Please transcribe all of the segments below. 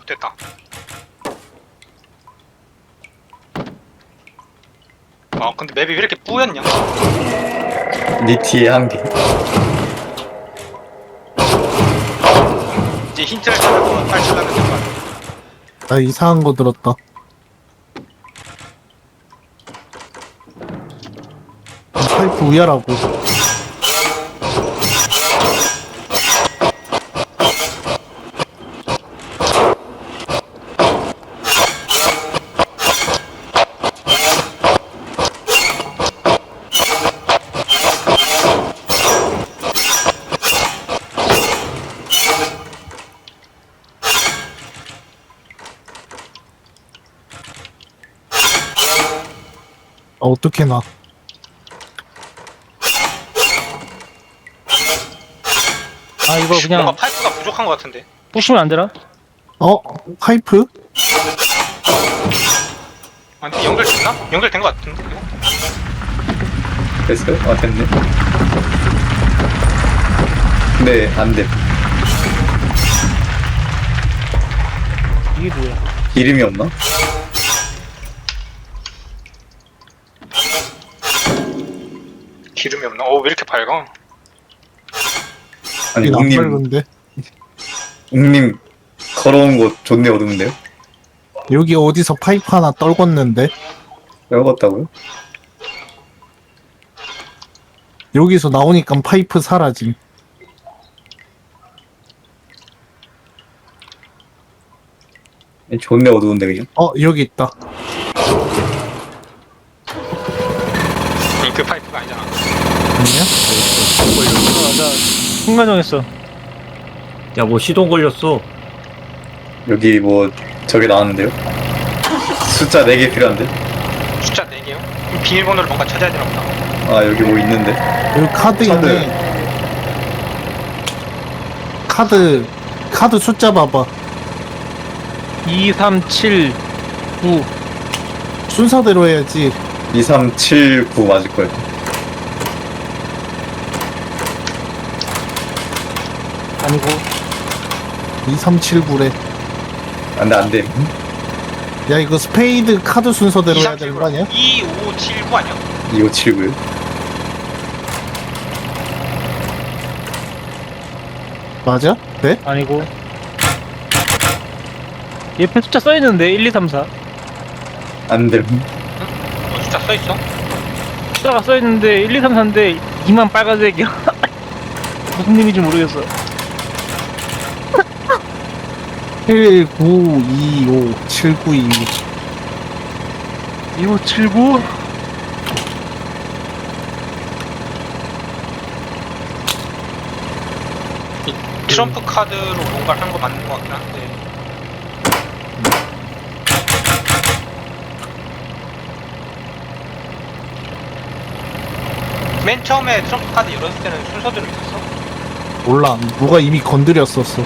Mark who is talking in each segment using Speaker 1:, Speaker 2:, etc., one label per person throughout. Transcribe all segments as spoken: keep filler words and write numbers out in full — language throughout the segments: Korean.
Speaker 1: 됐다. 아 근데 맵이 왜 이렇게 뿌였냐?
Speaker 2: 니 뒤에 한 개.
Speaker 1: 이제 힌트를 찾아서 탈출하면 될 것 같아.
Speaker 3: 나 이상한 거 들었다. 파이프 위아라고. 아, 어떻게 나?
Speaker 4: 아 이거
Speaker 1: 뭔가
Speaker 4: 그냥
Speaker 1: 파이프가 부족한 것 같은데.
Speaker 4: 부시면 안 되나?
Speaker 3: 어? 파이프?
Speaker 1: 아 근데 연결됐나? 연결된 것 같은데. 이거?
Speaker 2: 됐어요? 아 됐네. 네, 안 돼.
Speaker 4: 이게 뭐야?
Speaker 2: 이름이 없나?
Speaker 1: 기름이 없나? 어 왜 이렇게 밝아?
Speaker 2: 아니,
Speaker 3: 이안
Speaker 2: 웅님,
Speaker 3: 밝은데?
Speaker 2: 웅님 걸어온 곳 좋네 어두운데요?
Speaker 3: 여기 어디서 파이프 하나 떨궜는데?
Speaker 2: 외웠다고요?
Speaker 3: 여기서 나오니까 파이프 사라짐.
Speaker 2: 좋네 어두운데 그냥.
Speaker 3: 어, 여기 있다.
Speaker 1: 아니, 그 파이프가 아니잖아.
Speaker 3: 아니야?
Speaker 4: 어, 나 순간 정했어.
Speaker 5: 야, 뭐 시동 걸렸어.
Speaker 2: 여기 뭐 저게 나왔는데요? 숫자 네 개 필요한데?
Speaker 1: 숫자 네 개요? 그럼 비밀번호를 뭔가 찾아야 되나 보다.
Speaker 2: 아 여기 뭐 있는데?
Speaker 3: 여기 카드
Speaker 2: 카드.
Speaker 3: 있네. 카드, 카드 숫자 봐봐.
Speaker 4: 이, 삼, 칠, 구.
Speaker 3: 순서대로 해야지.
Speaker 2: 이, 삼, 칠, 구 맞을 거예요.
Speaker 4: 아니고
Speaker 3: 이삼칠구래.
Speaker 2: 안 돼, 안 돼.
Speaker 3: 야, 이거 스페이드 카드 순서대로 해야 되는 거 아니야?
Speaker 1: 이, 오, 칠, 구 아니야?
Speaker 2: 이오칠구요.
Speaker 3: 맞아? 네?
Speaker 4: 아니고. 옆에 숫자 써있는데 일, 이, 삼, 사.
Speaker 2: 안 돼.
Speaker 1: 어 숫자 써있어?
Speaker 4: 숫자가 써있는데 일, 이, 삼, 사인데 이만 빨간색이야. 무슨 의미인지 모르겠어.
Speaker 3: 일 구 이 오 칠구이오.
Speaker 4: 이오, 칠, 구.
Speaker 1: 트럼프 카드로 뭔가를 한 거 맞는 것 같긴 한데. 맨 처음에 트럼프 카드 열었을 때는 순서대로 있었어?
Speaker 3: 몰라. 누가 이미 건드렸었어.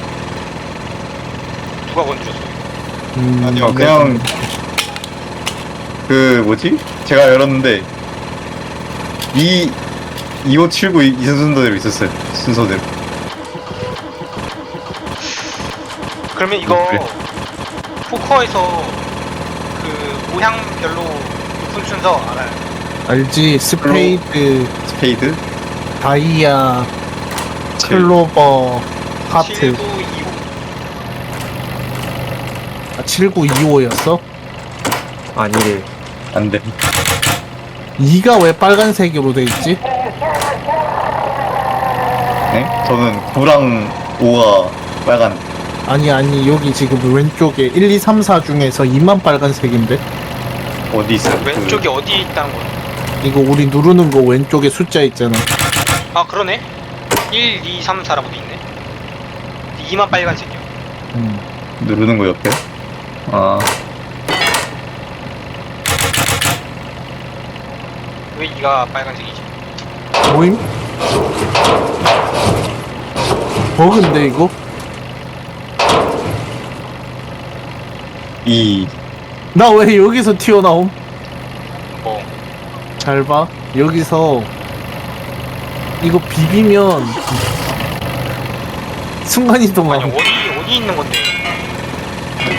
Speaker 1: 누가 건드렸어?
Speaker 3: 음,
Speaker 2: 아니요, 그냥 그 뭐지? 제가 열었는데 이 이오칠구 이 순서대로 있었어요. 순서대로.
Speaker 1: 그러면 이거
Speaker 2: 그래.
Speaker 1: 포커에서 그 모양별로 높은 순서 알아요?
Speaker 3: 알지? 스페이드,
Speaker 2: 스페이드,
Speaker 3: 다이아,
Speaker 2: 칠.
Speaker 3: 클로버, 하트.
Speaker 1: 칠구이오.
Speaker 3: 아, 칠구이오였어?
Speaker 5: 아니래.
Speaker 2: 안 돼.
Speaker 3: 이가 왜 빨간색으로 돼 있지?
Speaker 2: 네? 저는 구랑 오가 빨간.
Speaker 3: 아니 아니 여기 지금 왼쪽에 일, 이, 삼, 사 중에서 이만 빨간색인데?
Speaker 2: 어디 있어요?
Speaker 1: 왼쪽이 어디에 있다는 거야?
Speaker 3: 이거 우리 누르는 거 왼쪽에 숫자 있잖아.
Speaker 1: 아 그러네? 일, 이, 삼, 사라고 돼 있네. 이만 빨간색이야.
Speaker 3: 음.
Speaker 2: 그 누르는 거 옆에. 아,
Speaker 1: 왜 이가 빨간색이지?
Speaker 3: 모임? 버그인데 이거?
Speaker 2: 이.
Speaker 3: 나 왜 여기서 튀어나옴?
Speaker 1: 뭐
Speaker 3: 잘 봐. 여기서 이거 비비면
Speaker 1: 아니
Speaker 3: 순간이동함.
Speaker 1: 어디 어디 있는 건데?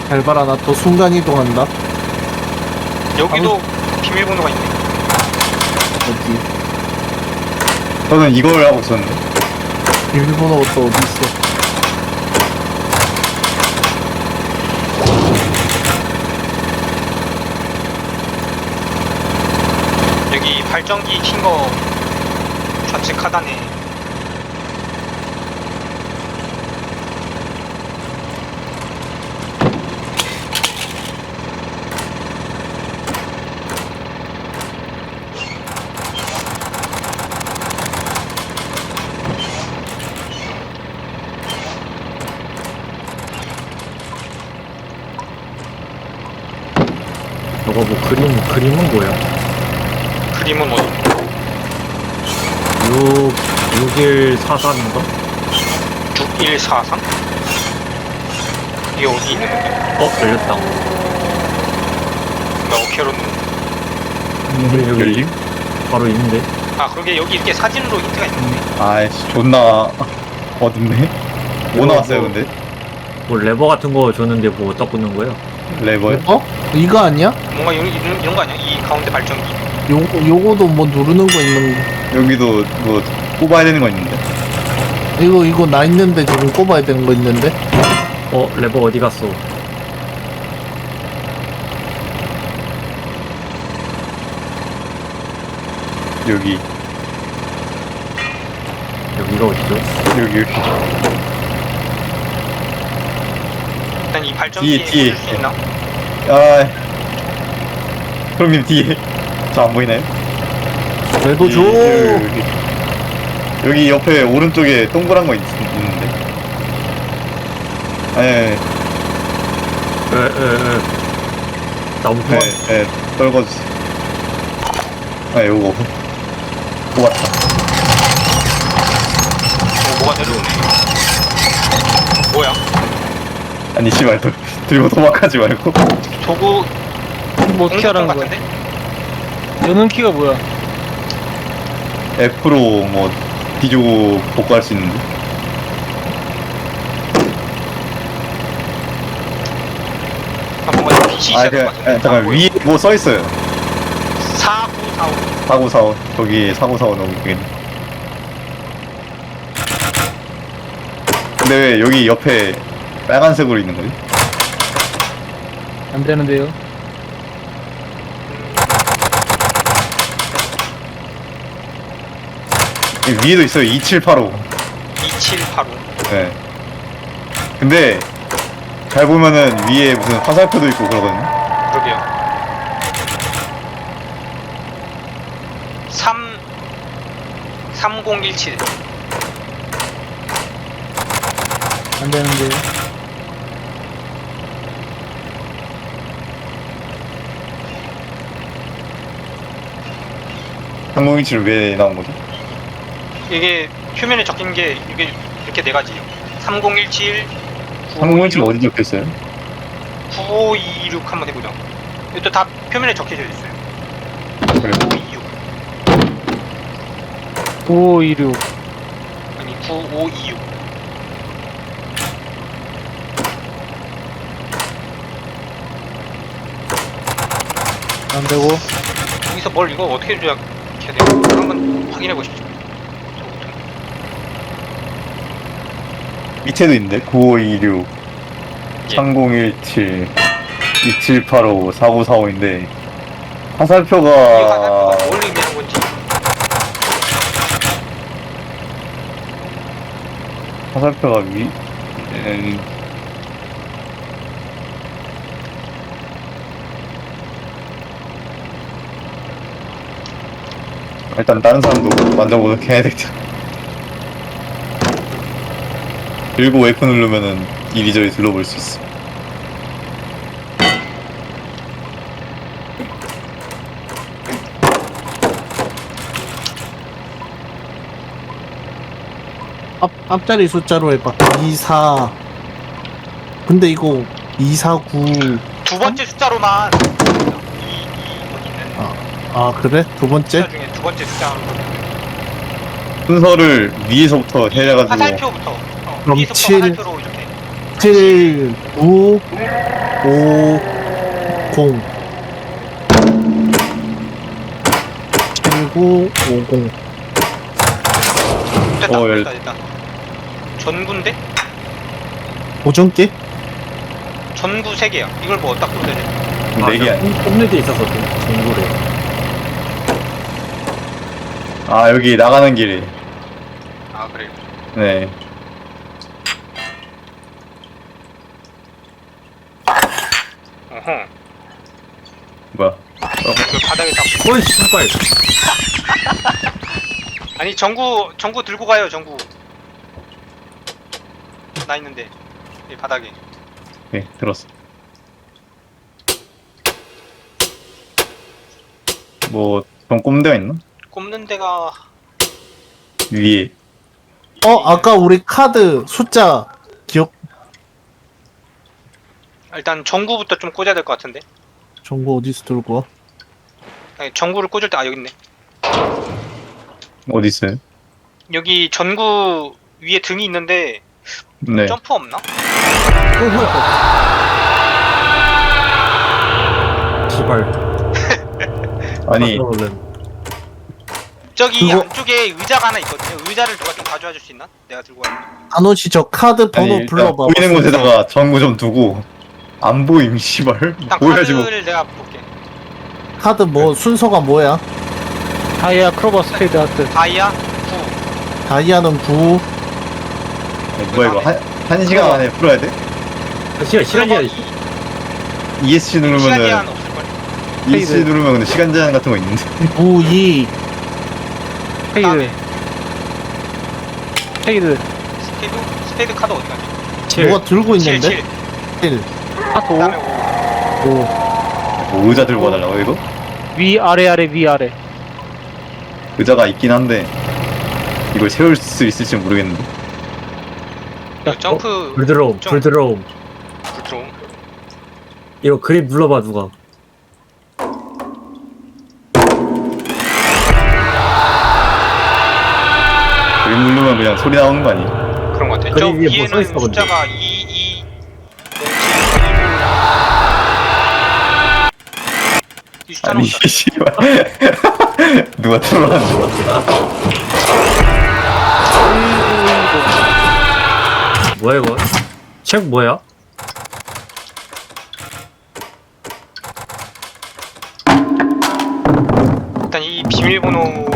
Speaker 3: 잘 봐라, 나 또 순간이동한다.
Speaker 1: 여기도 비밀번호가 있네.
Speaker 3: 어디?
Speaker 2: 저는 이걸 하고 있었는데.
Speaker 3: 비밀번호가 또 어디 있어?
Speaker 1: 여기 발전기 킨 거 좌측 하단에
Speaker 5: 저거 뭐 그림, 그림은 뭐야?
Speaker 1: 그림은 어디?
Speaker 5: 육, 육일사삼인가?
Speaker 1: 육일사삼? 이게 어디 있는 건데?
Speaker 5: 어, 열렸다.
Speaker 1: 나 오케로는
Speaker 5: 여기, 여기
Speaker 2: 열림?
Speaker 5: 바로 있는데.
Speaker 1: 아 그러게 여기 이렇게 사진으로 힌트가 있는데.
Speaker 2: 아이씨, 존나 어둡네. 뭐 나왔어요, 근데?
Speaker 5: 뭐 레버 같은 거 줬는데 뭐 어디다 꽂는 거야?
Speaker 2: 레버요?
Speaker 3: 어? 이거 아니야?
Speaker 1: 뭔가 이런, 이런, 이런 거 아니야? 이 가운데 발전기.
Speaker 3: 요, 요거도 뭐 누르는 거 있는
Speaker 2: 여기도 뭐 꼽아야 되는 거 있는데.
Speaker 3: 이거 이거 나 있는데 지금 꼽아야 되는 거 있는데.
Speaker 5: 어, 레버 어디 갔어?
Speaker 2: 여기,
Speaker 5: 여기가 어디죠?
Speaker 2: 여기, 여기.
Speaker 1: 일단 이 발전기에
Speaker 2: 뒤에, 뒤에.
Speaker 1: 꽂을 수 있나?
Speaker 2: 아, 형님 뒤에. 저 안 보이나요?
Speaker 3: 그래도 줘.
Speaker 2: 여기, 여기. 여기 옆에 오른쪽에 동그란 거 있, 있는데. 예,
Speaker 5: 에, 에, 에. 나무
Speaker 2: 예,
Speaker 5: 그만.
Speaker 2: 예, 떨궈주세요. 아, 요거. 뽑았다.
Speaker 1: 어, 뭐가 내려오네. 뭐야?
Speaker 2: 아니, 씨발, 들- 들고 도망가지 말고.
Speaker 1: 도구
Speaker 4: 뭐 어떻게
Speaker 1: 공격권
Speaker 4: 하라는 거야?
Speaker 1: 같은데?
Speaker 4: 여는 키가 뭐야?
Speaker 2: F로 뭐, 뒤주고 복구할 수 있는데.
Speaker 1: 아 뭔가 빛이
Speaker 2: 아,
Speaker 1: 있어야
Speaker 2: 그,
Speaker 1: 될것
Speaker 2: 아,
Speaker 1: 같은데.
Speaker 2: 잠깐, 위에 뭐 써있어요.
Speaker 1: 사구사오.
Speaker 2: 사고사오. 저기 사고사오 너무 그겠네. 근데 왜 여기 옆에 빨간색으로 있는 거지?
Speaker 4: 안 되는데요.
Speaker 2: 여기 위에도 있어요. 이칠팔오.
Speaker 1: 이칠팔오.
Speaker 2: 네. 근데 잘 보면은 위에 무슨 화살표도 있고 그러거든요.
Speaker 1: 그러게요. 삼 삼공일칠.
Speaker 4: 안 되는데요.
Speaker 2: 삼공일칠 왜 나온 거죠?
Speaker 1: 이게 표면에 적힌 게 이게 이렇게 네 가지예요. 삼공일칠,
Speaker 2: 삼공일칠 어디 적혀 있어요?
Speaker 1: 구오이육 한번 해보자. 이것도 다 표면에 적혀져 있어요.
Speaker 2: 그래요?
Speaker 1: 구오이육
Speaker 4: 구오이육.
Speaker 1: 아니 구오이육.
Speaker 4: 안 되고.
Speaker 1: 여기서 뭘 이거 어떻게 조작해야 돼요? 한번 확인해 보시죠. 저부터.
Speaker 2: 밑에도 있는데 구오이육,
Speaker 1: 예.
Speaker 2: 삼공일칠, 이칠팔오, 사구사오인데
Speaker 1: 이
Speaker 2: 화살표가
Speaker 1: 화살표가 뭘 의미하는 건지.
Speaker 2: 화살표가 위 음, 일단 다른 사람도 만져보도록 해야 되겠다. 그리고 F 누르면은 이리저리 둘러볼 수 있어.
Speaker 3: 앞 앞자리 숫자로 해봐. 이사. 근데 이거 이사구.
Speaker 1: 두 번째 숫자로만 이, 이 어디 있는
Speaker 3: 아, 아 그래? 두 번째?
Speaker 1: 숫자 중에 두 번째 숫자로
Speaker 2: 순서를 위에서부터 해가지고
Speaker 1: 화살표부터 어,
Speaker 3: 그럼
Speaker 1: 위에서부터
Speaker 3: 칠.
Speaker 1: 화살표로 이렇게
Speaker 3: 칠 구 오 공 칠 구 오 공.
Speaker 1: 됐다
Speaker 2: 어, 열-
Speaker 1: 됐다 됐다. 전구인데?
Speaker 3: 보정기?
Speaker 1: 전구 세 개야. 이걸 뭐 어디다 꽂아야 돼?
Speaker 2: 네 개 아니.
Speaker 5: 홈레드 있어서 전구래.
Speaker 2: 아 여기 나가는 길에.
Speaker 1: 아 그래.
Speaker 2: 네.
Speaker 1: 어허.
Speaker 2: 뭐야?
Speaker 1: 그 바닥에 딱.
Speaker 5: 어이 신발.
Speaker 1: 아니 전구 전구 들고 가요 전구. 나 있는데 이 바닥에.
Speaker 2: 네 들었어. 뭐좀 꼽는 데가 있나?
Speaker 1: 꼽는 데가
Speaker 2: 위에.
Speaker 3: 어 아까 우리 카드 숫자 기억
Speaker 1: 일단 전구부터 좀 꽂아야 될 것 같은데.
Speaker 3: 정보 어디서 들고 와?
Speaker 1: 아니, 전구를 꽂을 때 아 여기 있네.
Speaker 2: 어디 있어요?
Speaker 1: 여기 전구 위에 등이 있는데
Speaker 2: 네.
Speaker 1: 점프 없나?
Speaker 5: 어 뭐야? 시발.
Speaker 2: 아니
Speaker 5: 얼른.
Speaker 1: 저기
Speaker 3: 그거-
Speaker 1: 안쪽에 의자가 하나 있거든요. 의자를 누가 좀 가져와 줄 수 있나? 내가 들고 가.
Speaker 3: 안호씨 저 카드 번호
Speaker 2: 아니 일단
Speaker 3: 불러봐.
Speaker 2: 보이는 곳에다가 전구 좀 두고 안 보임 씨발.
Speaker 1: 일단
Speaker 2: 보여가지고
Speaker 1: 카드를 내가 볼게.
Speaker 3: 카드 뭐 순서가 뭐야?
Speaker 4: 다이아 크로버 스페이드 하트.
Speaker 1: 다이아 구.
Speaker 3: 다이아는 구.
Speaker 2: 아니, 뭐야 이거 한, 한 시간 안에 풀어야 돼?
Speaker 5: 아, 시간 시간
Speaker 1: 그리고
Speaker 5: 제한.
Speaker 1: 이-
Speaker 2: 이에스씨
Speaker 1: 시간
Speaker 2: 누르면은
Speaker 1: 제한 없을걸?
Speaker 2: 이에스씨 누르면 근데 시간 제한 같은 거 있는데.
Speaker 3: 구, 이.
Speaker 4: 스페이드.
Speaker 1: 그다음에
Speaker 4: 스페이드.
Speaker 1: 스페이드 스페이드 카드 어디 갔지?
Speaker 5: 칠.
Speaker 3: 뭐가 들고
Speaker 1: 칠,
Speaker 3: 있는데?
Speaker 1: 칠.
Speaker 3: 일.
Speaker 4: 하트
Speaker 1: 그다음에 오.
Speaker 4: 오.
Speaker 3: 오.
Speaker 2: 뭐 의자 들고 와달라고 이거?
Speaker 4: 위 아래 아래 위 아래.
Speaker 2: 의자가 있긴 한데 이걸 세울 수 있을지 모르겠는데.
Speaker 1: 이거 점프
Speaker 5: 불 들어옴.
Speaker 1: 좀-
Speaker 5: 불 들어옴.
Speaker 1: 불 들어옴.
Speaker 5: 이거 그립 눌러봐 누가.
Speaker 2: 그림 누르면 그냥 소리 나오는 거 아니야?
Speaker 1: 그런 것 같아. 저
Speaker 5: 그림 위에 뭐
Speaker 1: 위에는
Speaker 5: 써있어, 근데.
Speaker 1: 숫자가 이, 이, 공, 칠, 일, 이 숫자는
Speaker 2: 아니
Speaker 1: 없다.
Speaker 2: 씨발. 누가 틀어놨는 거야?
Speaker 5: 뭐야 이거? 책 뭐야?
Speaker 1: 일단 이 비밀번호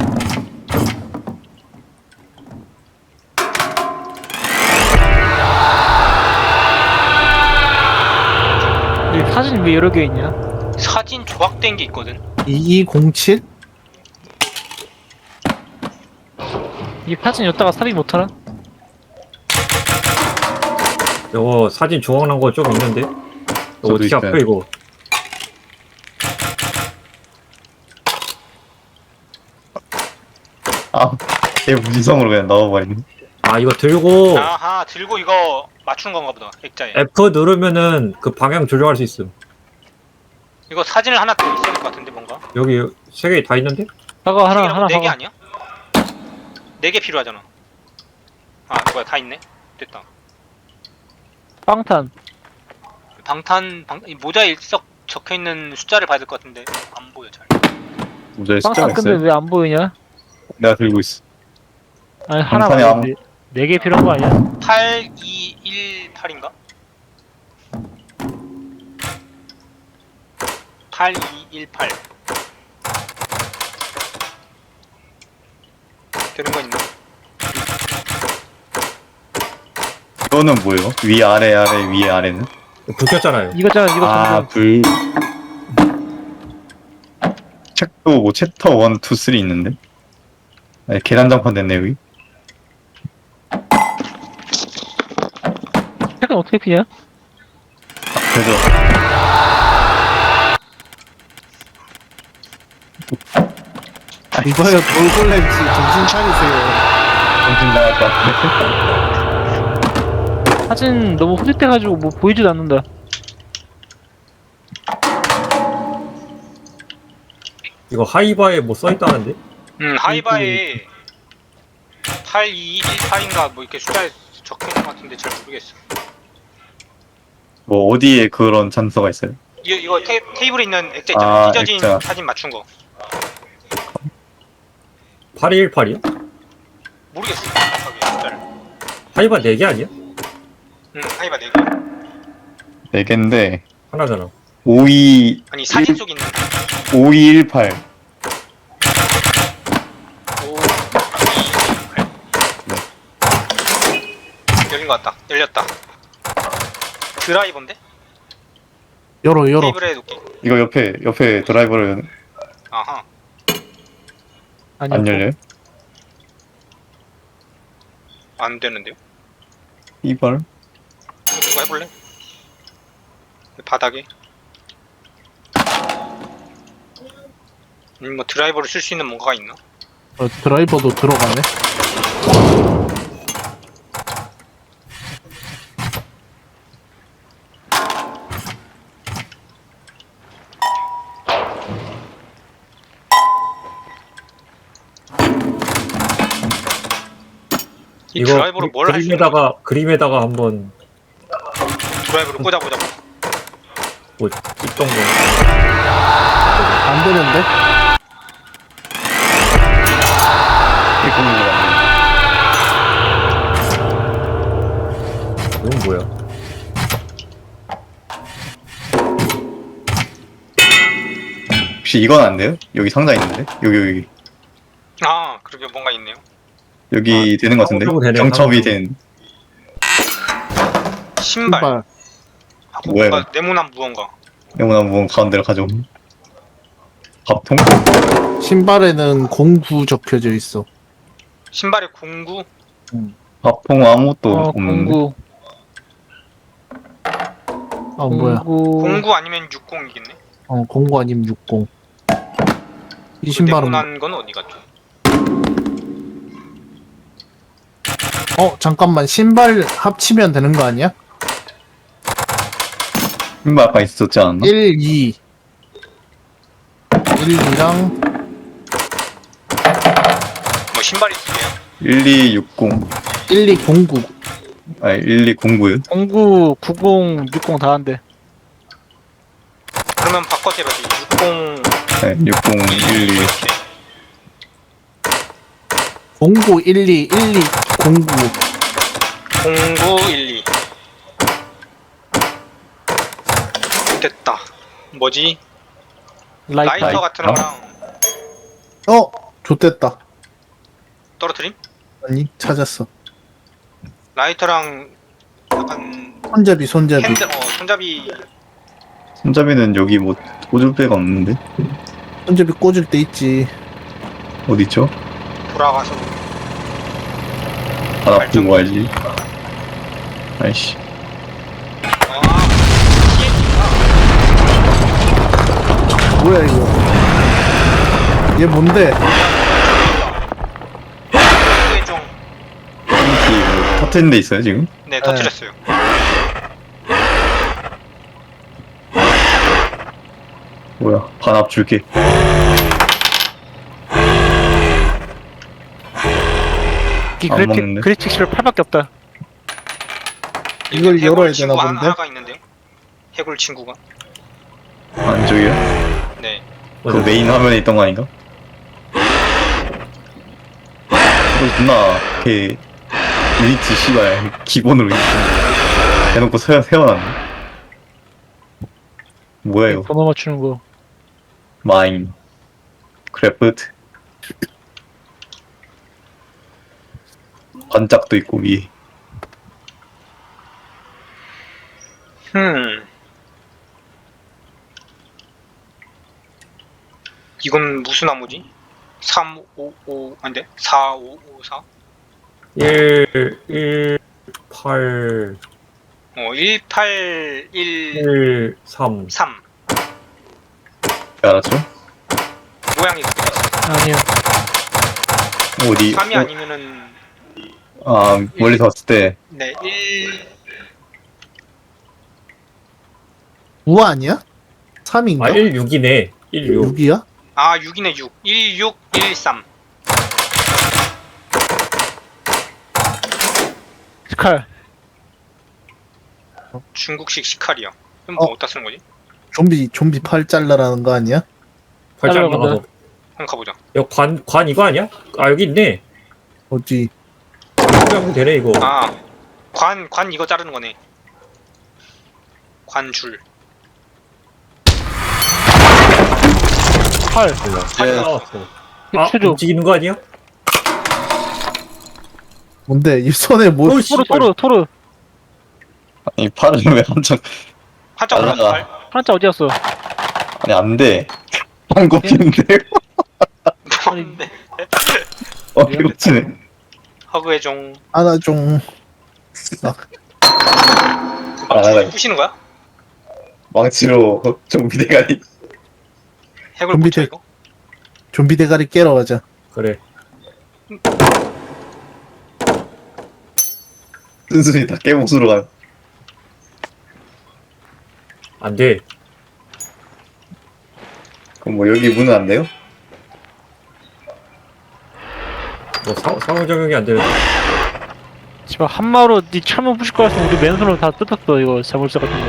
Speaker 4: 이 사진 왜 여러 개 있냐?
Speaker 1: 사진 조각된 게 있거든.
Speaker 3: 이이공칠?
Speaker 4: 이 사진 여기다가 삽입 못하나?
Speaker 5: 이거 사진 조각난 거 좀 있는데? 이거
Speaker 2: 저도
Speaker 5: 어떻게
Speaker 2: 있어요.
Speaker 5: 합혀 이거?
Speaker 2: 아, 걔 무지성으로 그냥 넣어버리네.
Speaker 5: 아 이거 들고
Speaker 1: 아하 들고 이거 맞추는 건가 보다. 액자에.
Speaker 5: F 누르면은 그 방향 조정할 수 있음.
Speaker 1: 이거 사진을 하나 더 있어야 될 것 같은데 뭔가.
Speaker 5: 여기 세 개 다 있는데?
Speaker 4: 사과 하나 하나
Speaker 1: 네개
Speaker 4: 사과.
Speaker 1: 아니야? 네 개 필요하잖아. 아 뭐야 다 있네. 됐다.
Speaker 4: 빵탄.
Speaker 1: 방탄 방 이 모자에 일석 적혀 있는 숫자를 봐야 될 것 같은데 안 보여 잘.
Speaker 2: 모자에 숫자가
Speaker 4: 빵탄 근데
Speaker 2: 있어요?
Speaker 4: 왜 안 보이냐?
Speaker 2: 내가 들고 있어.
Speaker 4: 아니 하나
Speaker 2: 방탄이
Speaker 4: 말고 네 개 필요한 거 아니야?
Speaker 1: 팔, 이, 일, 팔인가? 팔, 이, 일, 팔. 되는 거 있나?
Speaker 2: 이거는 뭐예요? 위 아래 아래 위 아래는?
Speaker 5: 불 켰잖아요.
Speaker 4: 이거잖아 이거
Speaker 2: 아,
Speaker 4: 전부.
Speaker 2: 불. 책도 뭐 챕터 일, 이, 삼 있는데? 아니, 계단장판 됐네 여기.
Speaker 4: 색은 어떻게 피냐?
Speaker 2: 그래서
Speaker 3: 이거야 돌골렘씨 정신 차리세요.
Speaker 2: 정신 나갈 것 같아.
Speaker 4: 사진 너무 흐릿해가지고 뭐 보이지도 않는다.
Speaker 5: 이거 하이바에 뭐 써있다는데?
Speaker 1: 음, 하이바에 팔, 이, 일, 팔인가 뭐 이렇게 숫자에 적혀 있는 것 같은데 잘 모르겠어.
Speaker 2: 뭐 어디에 그런 찬스가 있어요?
Speaker 1: 이, 이거 테, 테이블에 있는 액자 있잖아.
Speaker 2: 아,
Speaker 1: 찢어진
Speaker 2: 액자.
Speaker 1: 사진 맞춘 거.
Speaker 5: 팔이일팔이야?
Speaker 1: 모르겠어. 저기 액자를.
Speaker 5: 하이바 네 개 아니야?
Speaker 1: 응, 하이바 네 개.
Speaker 2: 네 개인데
Speaker 5: 하나잖아.
Speaker 2: 오이
Speaker 1: 아니 사진 속 있는
Speaker 2: 오이일팔.
Speaker 1: 오, 이, 팔. 열린 것 같다. 열렸다. 드라이버인데?
Speaker 3: 열어 열어.
Speaker 1: 테이블에 놓기.
Speaker 2: 이거 옆에 옆에 드라이버를
Speaker 1: 아하.
Speaker 4: 아니요.
Speaker 2: 안 열려요?
Speaker 1: 안 되는데요?
Speaker 2: 이발.
Speaker 1: 누가 해볼래? 바닥에. 음, 뭐 드라이버를 쓸 수 있는 뭔가가 있나?
Speaker 3: 어, 드라이버도 들어가네.
Speaker 1: 이
Speaker 5: 이거
Speaker 1: 드라이버로 뭘 할 수 있는 거야?
Speaker 5: 그림에다가 그림에다가 한번
Speaker 1: 드라이버를 꽂아보자고?
Speaker 5: 뭐 입던 거.
Speaker 3: 안 되는데?
Speaker 5: 이건 뭐야?
Speaker 2: 혹시 이건 안 돼요? 여기 상자 있는데? 여기 여기
Speaker 1: 아, 그러게 뭔가 있네요.
Speaker 2: 여기 되는 것 같은데?
Speaker 5: 상호적으로 되네,
Speaker 2: 경첩이
Speaker 5: 상호적으로.
Speaker 2: 된
Speaker 1: 신발.
Speaker 3: 신발.
Speaker 1: 하고
Speaker 2: 뭐야,
Speaker 1: 뭔가 네모난 무언가.
Speaker 2: 네모난 무언 가운데로 가져옴. 밥통?
Speaker 3: 신발에는 공구 적혀져 있어.
Speaker 1: 신발에 공구.
Speaker 2: 밥통 아무것도
Speaker 4: 어,
Speaker 2: 없는데?
Speaker 4: 공구.
Speaker 3: 아 뭐야?
Speaker 4: 공구.
Speaker 1: 공구 아니면 육공이겠네.
Speaker 3: 어 공구 아니면 육공. 이
Speaker 1: 그
Speaker 3: 신발은
Speaker 1: 네모난 건 어디 갔죠?
Speaker 3: 어 잠깐만 신발 합치면 되는 거 아니야?
Speaker 2: 신발 아까 있었지 않았나?
Speaker 3: 일, 이. 일, 이랑
Speaker 1: 뭐 신발이 두 개야.
Speaker 2: 일이육공.
Speaker 3: 일, 이, 공구.
Speaker 2: 아니 일이공구요?
Speaker 4: 공구, 구공, 육공 다 한대.
Speaker 1: 그러면 바꿔서 해봐지. 육공,
Speaker 2: 네, 육공, 일이.
Speaker 1: 이렇게.
Speaker 3: 공구 일, 이, 일, 이, 공구.
Speaker 1: 공구, 일, 이. 됐다. 뭐지?
Speaker 4: 라이터.
Speaker 1: 라이터 같은 거랑
Speaker 3: 어 좋댔다.
Speaker 1: 떨어뜨림?
Speaker 3: 아니 찾았어.
Speaker 1: 라이터랑 약간
Speaker 3: 손잡이 손잡이.
Speaker 1: 핸들, 어, 손잡이
Speaker 2: 손잡이는 여기 뭐 꽂을 데가 없는데?
Speaker 3: 손잡이 꽂을 때 있지.
Speaker 2: 어디 있죠?
Speaker 1: 돌아가서
Speaker 2: 하나 보고 와야지. 아이씨.
Speaker 1: 아,
Speaker 3: 뭐야 이거? 얘 뭔데?
Speaker 1: 이게 좀,
Speaker 2: 여기 뭐 터트린 데 있어요 지금?
Speaker 1: 네, 터뜨렸어요.
Speaker 2: 뭐야? 반합 줄게.
Speaker 4: 이
Speaker 2: 안
Speaker 4: 그래픽,
Speaker 2: 먹는데?
Speaker 4: 그래픽 십을 팔밖에 없다.
Speaker 3: 이걸
Speaker 1: 해골
Speaker 3: 열어야
Speaker 1: 친구
Speaker 3: 되나
Speaker 1: 한-
Speaker 3: 본데?
Speaker 1: 하나가 있는데요. 해골 친구가.
Speaker 2: 안쪽이요?
Speaker 1: 네.
Speaker 2: 그 메인 화면에 있던 거 아닌가? 이거 존나 걔 유니티 씨발 기본으로 있어. 해놓고 세, 세워놨네. 뭐야 이거?
Speaker 4: 번호 맞추는 거.
Speaker 2: 마인 크래프트 반짝도 있고 위에.
Speaker 1: 음. 이건 무슨 나무지? 삼, 오, 오, 안돼? 사, 오, 오, 사?
Speaker 5: 일, 일, 팔,
Speaker 1: 어, 일, 팔, 일,
Speaker 5: 일, 삼.
Speaker 1: 삼.
Speaker 2: 알았죠?
Speaker 1: 모양이 그렇게 돼 있어.
Speaker 4: 아니요.
Speaker 2: 어디?
Speaker 1: 삼이
Speaker 2: 어,
Speaker 1: 아니면은,
Speaker 2: 아 멀리서 봤을 때
Speaker 1: 네, 일,
Speaker 3: 우 아니야? 삼인가?
Speaker 5: 아, 일, 육이네. 일, 육.
Speaker 3: 육이야?
Speaker 1: 아, 육이네, 육. 일, 육, 일, 삼.
Speaker 4: 스칼.
Speaker 1: 중국식 시칼이야. 그럼
Speaker 3: 어.
Speaker 1: 뭐 어디다 쓰는 거지?
Speaker 3: 좀비 좀비 팔 잘라라는 거 아니야?
Speaker 5: 팔짱
Speaker 4: 따라가자.
Speaker 5: 나가서.
Speaker 1: 한번 가보자.
Speaker 5: 여기 관, 관 이거 아니야? 아, 여기 있네.
Speaker 3: 어디?
Speaker 5: 팔짱 되네, 이거.
Speaker 1: 아, 관, 관 이거 자르는 거네. 관줄.
Speaker 4: 팔.
Speaker 1: 팔
Speaker 2: 예.
Speaker 1: 나왔어.
Speaker 5: 아,
Speaker 4: 추조.
Speaker 5: 움직이는 거 아니야?
Speaker 3: 뭔데 이 손에 뭐?
Speaker 5: 어우,
Speaker 4: 토르
Speaker 5: 씨발.
Speaker 4: 토르 토르.
Speaker 2: 아니 팔은 왜 한참
Speaker 1: 한짝 올랐어,
Speaker 2: 날라가.
Speaker 1: 팔.
Speaker 4: 한자 어디 갔어?
Speaker 2: 아니 안돼 안 꼽히는데
Speaker 1: 뭔데?
Speaker 2: 어 이거 치네
Speaker 1: 허그해종.
Speaker 3: 하나 좀
Speaker 2: 아,
Speaker 1: 망치
Speaker 2: 나-
Speaker 1: 부시는 거야?
Speaker 2: 망치로 좀비 대가리
Speaker 1: 해골
Speaker 3: 좀비
Speaker 1: 붙여
Speaker 3: 대-
Speaker 1: 이거?
Speaker 3: 좀비 대가리 깨러 가자.
Speaker 5: 그래.
Speaker 2: 순순히 다 깨목수로 가요.
Speaker 5: 안 돼.
Speaker 2: 그럼 뭐 여기 문은 안 돼요?
Speaker 5: 뭐, 사, 상호 적용이 안 되는.
Speaker 4: 지금 한마로 니 철문 부실 거였으면 우리 맨손으로 다 뜯었어 이거 자물쇠 같은 거.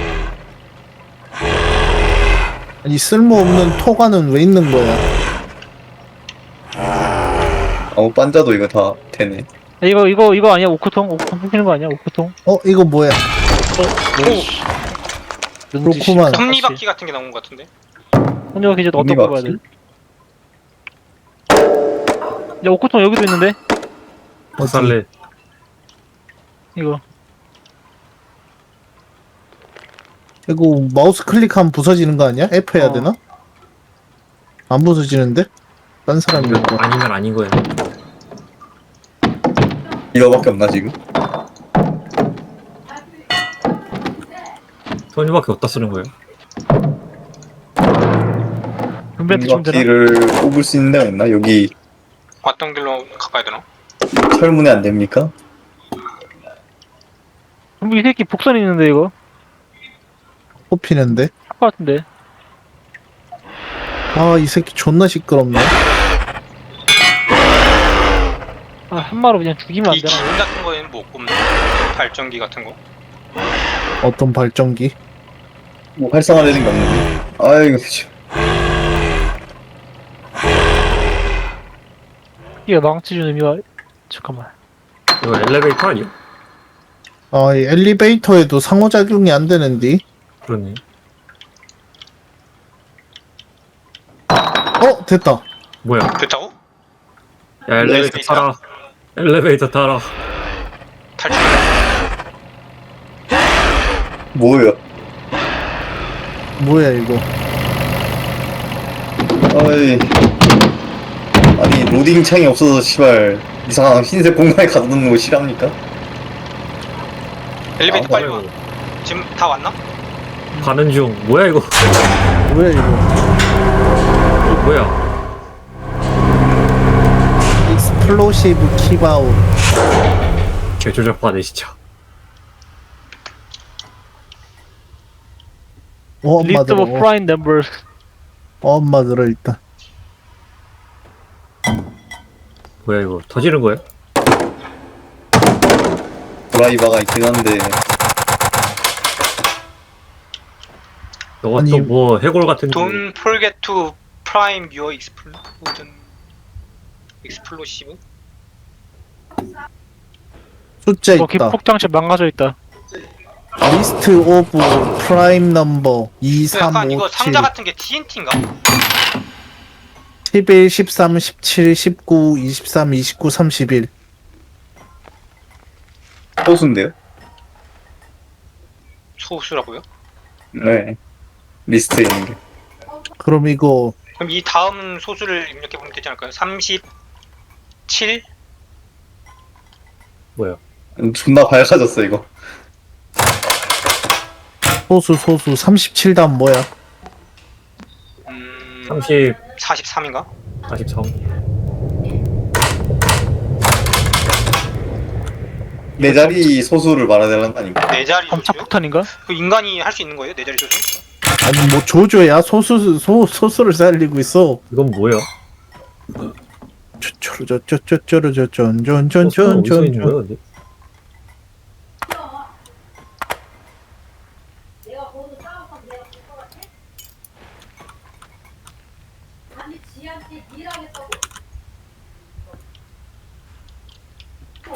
Speaker 3: 아니 쓸모없는 토가는 왜 있는 거야?
Speaker 2: 아무 반자도 이거 다 되네.
Speaker 4: 야, 이거 이거 이거 아니야 오크통? 오크통 부시는 거 아니야 오크통?
Speaker 3: 어 이거 뭐야? 그렇구만.
Speaker 1: 톱니바퀴 같은 게 나온 거 같은데?
Speaker 4: 톱니바퀴 이제 어떤 거 봐야 돼? 야 오크통 여기도 있는데?
Speaker 5: 박살내.
Speaker 4: 이거
Speaker 3: 이거 마우스 클릭하면 부서지는 거 아니야? F 해야
Speaker 4: 어.
Speaker 3: 되나? 안 부서지는데? 딴 사람이
Speaker 5: 이거
Speaker 3: 이거.
Speaker 5: 아니면 아닌 거야.
Speaker 2: 이거밖에 없나 지금?
Speaker 5: 손님밖에 어디다 쓰는 거예요?
Speaker 4: 분배한테 주면 되나?
Speaker 2: 바퀴를 뽑을 수 있는 데가 있나? 여기
Speaker 1: 왔던 길로 가봐야 되나?
Speaker 2: 철문에 안 됩니까?
Speaker 4: 분배 이 새끼 복선 있는데 이거?
Speaker 3: 뽑히는데?
Speaker 4: 할 것 같은데.
Speaker 3: 아 이 새끼 존나 시끄럽네.
Speaker 4: 아 한마로 그냥 죽이면 안
Speaker 1: 이
Speaker 4: 되나?
Speaker 1: 기름 같은 거에는 뭐 꼽네? 발전기 같은 거?
Speaker 3: 어떤 발전기?
Speaker 2: 뭐 활성화되는 게 없는데. 아이고 참.
Speaker 4: 이게 망치 주는 의미가 잠깐만.
Speaker 5: 이거 엘리베이터 아니야?
Speaker 3: 아, 이 엘리베이터에도 상호작용이 안 되는데.
Speaker 5: 그러네.
Speaker 3: 어, 됐다.
Speaker 5: 뭐야?
Speaker 1: 됐다고?
Speaker 5: 야, 엘리베이터
Speaker 1: 엘리베이터.
Speaker 5: 타라. 엘리베이터 타라.
Speaker 1: 탈출.
Speaker 2: 뭐예요?
Speaker 3: 뭐야 이거?
Speaker 2: 아이. 아니 로딩 창이 없어서 시발 이상한 흰색 공간에 가두는 거 싫어합니까?
Speaker 1: 엘리베이터
Speaker 2: 아,
Speaker 1: 빨리 와. 지금 다 왔나?
Speaker 5: 가는 중. 뭐야, 이거?
Speaker 3: 뭐야 이거?
Speaker 5: 어, 뭐야?
Speaker 3: 익스플로시브 키바우.
Speaker 5: 개조작파네, 진짜.
Speaker 3: 어, 엄마
Speaker 4: List
Speaker 3: 들어.
Speaker 4: of prime numbers.
Speaker 3: 어, 엄마 들어 일단.
Speaker 5: 뭐야, 이거? 터지는 거야?
Speaker 2: 드라이버가 있긴 한데
Speaker 5: 너가
Speaker 3: 아니,
Speaker 5: 또 뭐 해골 같은 거.
Speaker 1: Don't forget to prime your explosion. explosive?
Speaker 3: 숫자
Speaker 4: 뭐
Speaker 3: 있다.
Speaker 4: 기폭장치 망가져 있다.
Speaker 3: 리스트 오브 프라임 넘버 이, 삼,
Speaker 1: 약간 이거
Speaker 3: 오, 칠,
Speaker 1: 상자 같은 게 티엔티인가?
Speaker 3: 십일, 십삼, 십칠, 십구, 이십삼, 이십구, 삼십일.
Speaker 2: 소수인데요?
Speaker 1: 소수라고요?
Speaker 2: 네 리스트에 있는 게
Speaker 3: 그럼 이거
Speaker 1: 그럼 이 다음 소수를 입력해 보면 되지 않을까요? 삼십칠?
Speaker 5: 뭐야?
Speaker 2: 음, 존나 밝아졌어 이거.
Speaker 3: 소수 소수 삼십칠 다음 뭐야?
Speaker 1: 음...
Speaker 5: 삼십,
Speaker 1: 사십삼인가?
Speaker 5: 사십삼.
Speaker 2: 네 자리 소수를 말해달라는 거 아닌가?
Speaker 1: 네 자리
Speaker 4: 검차
Speaker 1: 소수요?
Speaker 4: 폭탄인가?
Speaker 1: 그 인간이 할 수 있는 거예요? 네 자리 소수?
Speaker 3: 아니 뭐 조조야 소수 소 소수를 살리고 있어.
Speaker 5: 이건 뭐야?
Speaker 3: 쪼쪼르 쪼쪼쪼쪼르
Speaker 5: 어디서 있는 거야,
Speaker 3: 쪼쫀쫀쫀쫀쫀.
Speaker 5: 근데?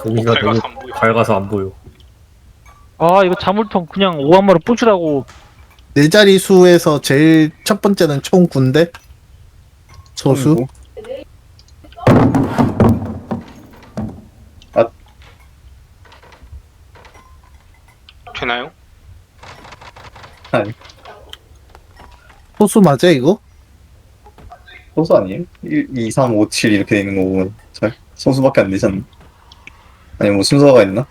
Speaker 5: 고기가 너무
Speaker 1: 밝아서 안 보여.
Speaker 5: 밝아서 안 보여.
Speaker 4: 아 이거 자물통 그냥 오한마로 뿌시라고.
Speaker 3: 네 자리 수에서 제일 첫 번째는 총 군대 소수.
Speaker 1: 되나요?
Speaker 2: 아니,
Speaker 3: 소수 맞아 이거?
Speaker 2: 소수 아니에요? 일, 이, 삼, 오, 칠 이렇게 되는 거 보면 잘 소수밖에 안 되잖아. 아니 뭐 순서가 있나?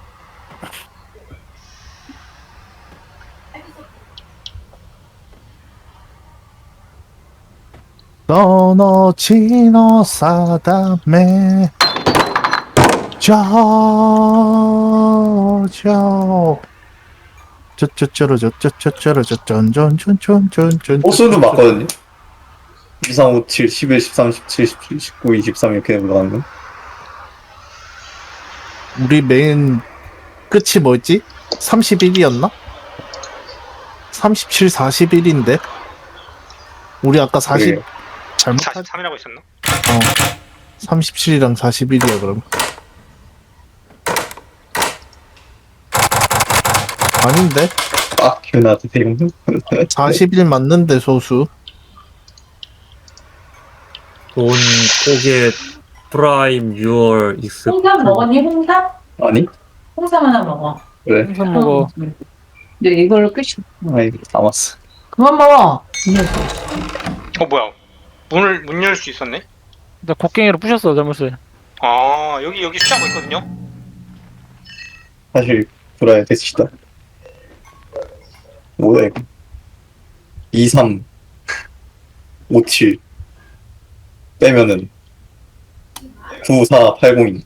Speaker 3: 너너지너 사다메 저저 저저저러 저저저러 저전전전전전전
Speaker 2: 소수도 맞거든요. 이, 삼, 오, 칠, 십일, 십삼, 십칠, 십칠, 십구, 이십삼 이렇게 올라가는 거.
Speaker 3: 우리 메인 끝이 뭐였지? 삼십일이었나? 삼십칠, 사십일인데 우리 아까 사십
Speaker 2: 그래요.
Speaker 3: 잘못한
Speaker 1: 사십삼이라고 있었나?
Speaker 3: 어 삼십칠이랑 사십일이야 그럼. 아닌데?
Speaker 2: 아, 기억나도 돼요.
Speaker 3: 사십일 맞는데 소수.
Speaker 5: 돈 고개 프라임 유월 익스.
Speaker 6: 홍삼 먹었니? 홍삼?
Speaker 2: 아니?
Speaker 6: 홍삼 하나 먹어.
Speaker 2: 그래.
Speaker 4: 항상 먹어.
Speaker 6: 이제 이걸로 끝이.
Speaker 2: 아이, 남았어.
Speaker 6: 그만 먹어.
Speaker 1: 어 뭐야? 문을 문 열 수 있었네?
Speaker 4: 나 곡괭이로 부셨어 잘못을.
Speaker 1: 아 여기 여기 숫자가 있거든요.
Speaker 2: 사실 불화의 대치다. 뭐야 이거? 이, 삼, 오, 칠 빼면은 구, 사, 팔, 공.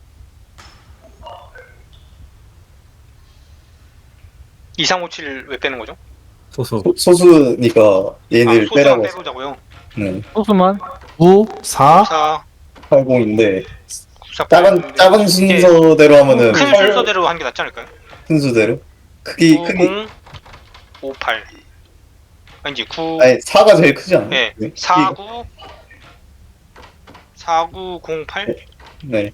Speaker 1: 이삼오칠 왜 빼는 거죠?
Speaker 5: 소소.
Speaker 2: 소, 소수니까
Speaker 1: 아
Speaker 2: 얘네를
Speaker 1: 소수만
Speaker 2: 빼라고.
Speaker 1: 빼보자고요.
Speaker 2: 네.
Speaker 4: 소스만.
Speaker 3: 구, 사,
Speaker 1: 사,
Speaker 2: 팔, 공인데
Speaker 1: 구사,
Speaker 2: 작은 작은 순서대로 하면은
Speaker 1: 큰
Speaker 2: 팔-
Speaker 1: 순서대로 하는 게 낫지 않을까요?
Speaker 2: 순서대로 크기 크기
Speaker 1: 구십, 오십팔 아니지 구,
Speaker 2: 아니 사가 제일 크지 않아?
Speaker 1: 네, 사구, 사구공팔
Speaker 2: 네.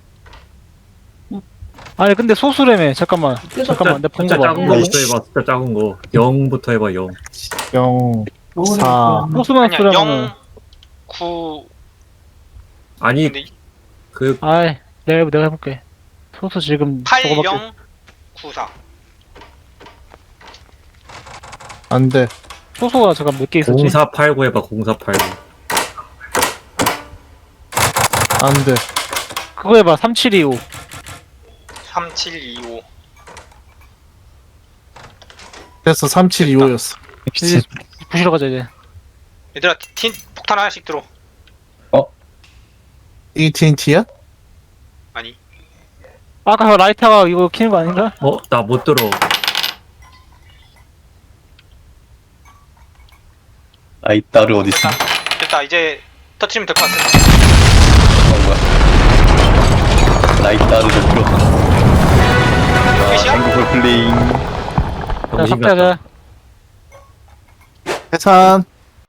Speaker 4: 아니 근데 소수래매. 잠깐만. 잠깐만 내가 본
Speaker 5: 숫자
Speaker 4: 거 봐.
Speaker 5: 작은 거부터 해봐. 숫자 작은 거. 영부터 해봐. 영.
Speaker 3: 영, 사.
Speaker 4: 소수만
Speaker 1: 아니야
Speaker 4: 쓰라면.
Speaker 1: 영, 구
Speaker 5: 아니
Speaker 1: 근데
Speaker 5: 그
Speaker 4: 아이 내가 해볼- 내가 해볼게. 소수 지금
Speaker 1: 팔,
Speaker 4: 저거밖에.
Speaker 1: 영, 구사
Speaker 3: 안 돼.
Speaker 4: 소수가 잠깐 몇 개 있었지?
Speaker 5: 공사팔구 해봐. 공사팔구.
Speaker 3: 안 돼.
Speaker 4: 그거 해봐. 삼칠이오.
Speaker 1: 삼칠이오
Speaker 3: 됐어. 삼칠이오였어.
Speaker 4: 이제 부시러 가자 이제.
Speaker 1: 얘들아 틴 폭탄 하나씩 들어.
Speaker 3: 에이티앤티야?
Speaker 1: 아니
Speaker 4: 아까 그 라이터가 이거 키는 거 아닌가?
Speaker 5: 어? 나 못 들어.
Speaker 2: 아이 딸을 어디 있어?
Speaker 1: 됐다 됐다 이제 터치면 될 것 같아.
Speaker 2: 어 뭐야? 나이 딸을 좀 풀어.
Speaker 1: 끝이야?
Speaker 2: 한국을 플레잉.
Speaker 4: 자
Speaker 5: 정신 같다.
Speaker 4: 삭제하자.
Speaker 3: 해산.